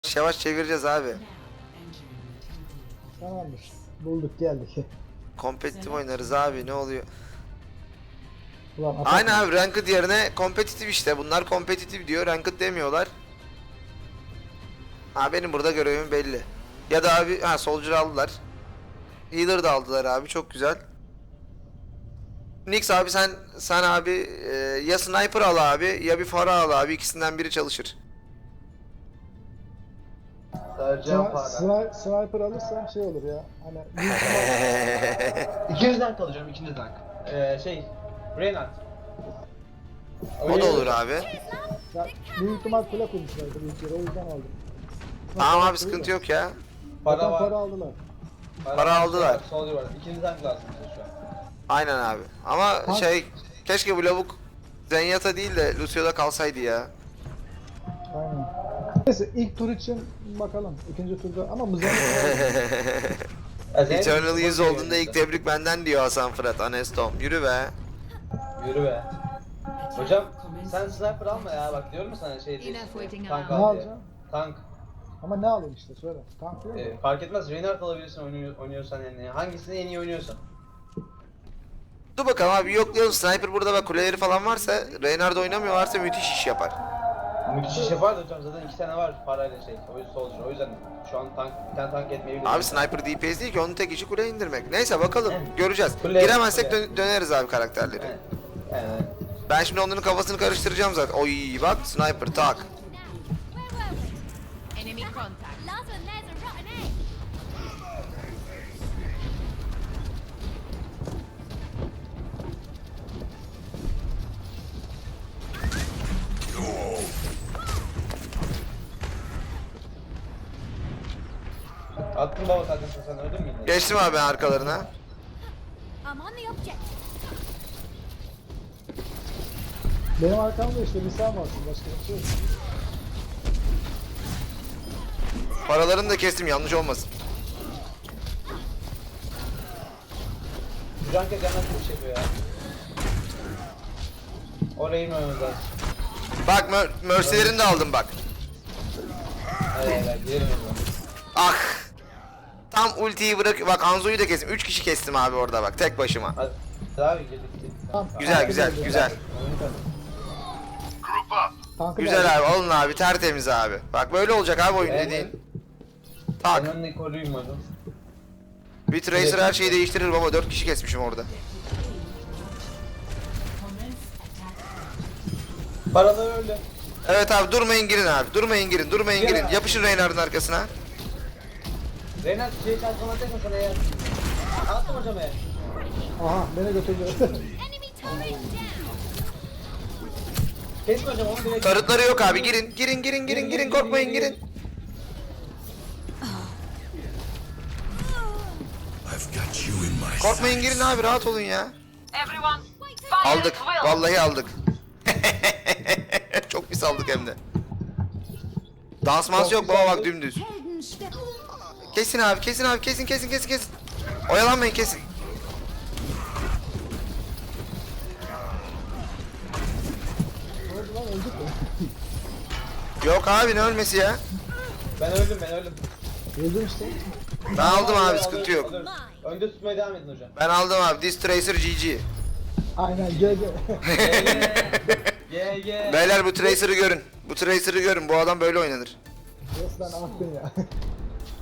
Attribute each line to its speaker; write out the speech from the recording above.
Speaker 1: yavaş yavaş çevireceğiz abi.
Speaker 2: Tamamdır. Bulduk geldik.
Speaker 1: Kompetitif oynarız abi, ne oluyor?
Speaker 2: Ulan
Speaker 1: Aynen abi, ranked yerine kompetitif işte. Bunlar kompetitif diyor, ranked demiyorlar. Ha, benim burada görevim belli. Ya da abi, ha, soldier aldılar. Healer da aldılar abi, çok güzel. Nix abi, sen abi ya sniper al abi ya bir fara al abi, ikisinden biri çalışır.
Speaker 3: Saracağım para.
Speaker 2: Sniper alırsam şey olur ya. Hani
Speaker 3: İkinci tank alacağım, ikinci tank. Reinhardt.
Speaker 1: O da olur abi.
Speaker 2: ya, büyük ihtimal kule kurmuşlardır ilk yere, o yüzden aldım.
Speaker 1: Tamam abi, sıkıntı yok ya.
Speaker 2: Para,
Speaker 3: Para
Speaker 2: para
Speaker 3: var.
Speaker 2: aldılar.
Speaker 1: Para aldılar.
Speaker 3: Soldier var. İkinci tank lazım bize şu an.
Speaker 1: Aynen abi. Ama
Speaker 2: Ha.
Speaker 1: keşke bu lavuk Zenyatta değil de Lucio'da kalsaydı ya.
Speaker 2: Aynen. Neyse ilk tur için bakalım. İkinci turda ama mızrak
Speaker 1: Eternal 100 olduğunda ilk tebrik benden diyor Hasan Fırat Anestom. Yürü be.
Speaker 3: Yürü be. Hocam sen sniper alma ya, bak diyorum ya sana şey değil. Tank
Speaker 2: ne
Speaker 3: al diye.
Speaker 2: alacağım?
Speaker 3: Tank.
Speaker 2: Ama ne alayım işte söyle. Tank değil mi?
Speaker 3: Fark etmez, Reinhardt alabilirsin oynuyorsan yani. Hangisini en iyi oynuyorsan.
Speaker 1: Dur bakalım abi, yoklayalım. Sniper burada bak, kuleleri falan varsa, Reinhardt oynamıyorlarsa müthiş iş yapar.
Speaker 3: Müthiş iş yapar da hocam, zaten iki tane var parayla şey. O yüzden soldier. O yüzden şu an bir tane tank etmeyebilir.
Speaker 1: Abi sniper DPS değil ki, onun tek işi kule indirmek. Neyse bakalım, göreceğiz.
Speaker 3: Kule-
Speaker 1: Giremezsek
Speaker 3: kule.
Speaker 1: döneriz abi karakterleri.
Speaker 3: Evet. Evet.
Speaker 1: Ben şimdi onların kafasını karıştıracağım zaten. Oy bak, sniper tak.
Speaker 4: Enemy contact. Last one, there's a rotten egg.
Speaker 3: Attın baba zaten, sen öldün mü yine?
Speaker 1: Geçtim abi ben arkalarına.
Speaker 4: I'm on the objective.
Speaker 2: Benim arkamda işte bir sen varsın, başka bir şey yok.
Speaker 1: Paralarını da kestim, yanlış olmasın.
Speaker 3: Şu an kez yandan çok şey yapıyor ya. Orayı inmemiz lazım.
Speaker 1: Bak Mercy'lerini de aldım bak.
Speaker 3: Evet, gidelim o zaman.
Speaker 1: Ah. Tam ultiyi bırak. Bak Anzo'yu da kestim. 3 kişi kestim abi orada bak, tek başıma.
Speaker 3: Hadi. Abi girdik.
Speaker 2: Tamam.
Speaker 1: Güzel güzel güzel.
Speaker 2: Tankı
Speaker 1: Güzel
Speaker 2: geldi.
Speaker 1: abi, alın abi, tertemiz abi. Bak böyle olacak abi oyun dediğin. Tak.
Speaker 3: Ben önüne koruyayım hocam.
Speaker 1: Bir Tracer her şeyi değiştirir baba, 4 kişi kesmişim orada.
Speaker 3: Paralar öldü.
Speaker 1: Evet abi, durmayın girin abi. Durmayın girin, durmayın girin. Yapışın Reinhardt'ın arkasına.
Speaker 3: Reinhardt şey transformasyon sana ya. Attım hocam ya.
Speaker 2: Aha beni götürdü.
Speaker 4: Enemy turret down.
Speaker 3: Kesme hocam onu direkt.
Speaker 1: Tarıtları yok abi, girin. Girin girin girin girin, korkmayın girin. Korkmayın girin abi, rahat olun ya.
Speaker 5: Everyone, fire
Speaker 1: Aldık.
Speaker 5: at will.
Speaker 1: Vallahi aldık. Çok pis aldık hem de. Dansmans yok baba, bak dümdüz.
Speaker 4: Heldenstep.
Speaker 1: Kesin abi, kesin abi, kesin kesin kesin kesin. Oyalanmayın, kesin.
Speaker 2: Ne oldu lan, öldük mü?
Speaker 1: Yok abi, ne ölmesi ya?
Speaker 3: Ben öldüm.
Speaker 2: Öldüm işte.
Speaker 1: Ben aldım abi, sıkıntı yok.
Speaker 3: Alırız. Önde tutmaya devam edin hocam.
Speaker 1: Ben aldım abi. This Tracer GG.
Speaker 2: Aynen GG.
Speaker 3: Ye.
Speaker 1: Beyler bu Tracer'ı görün. Bu Tracer'ı görün. Bu adam böyle oynanır.
Speaker 2: Resmen aktın ya.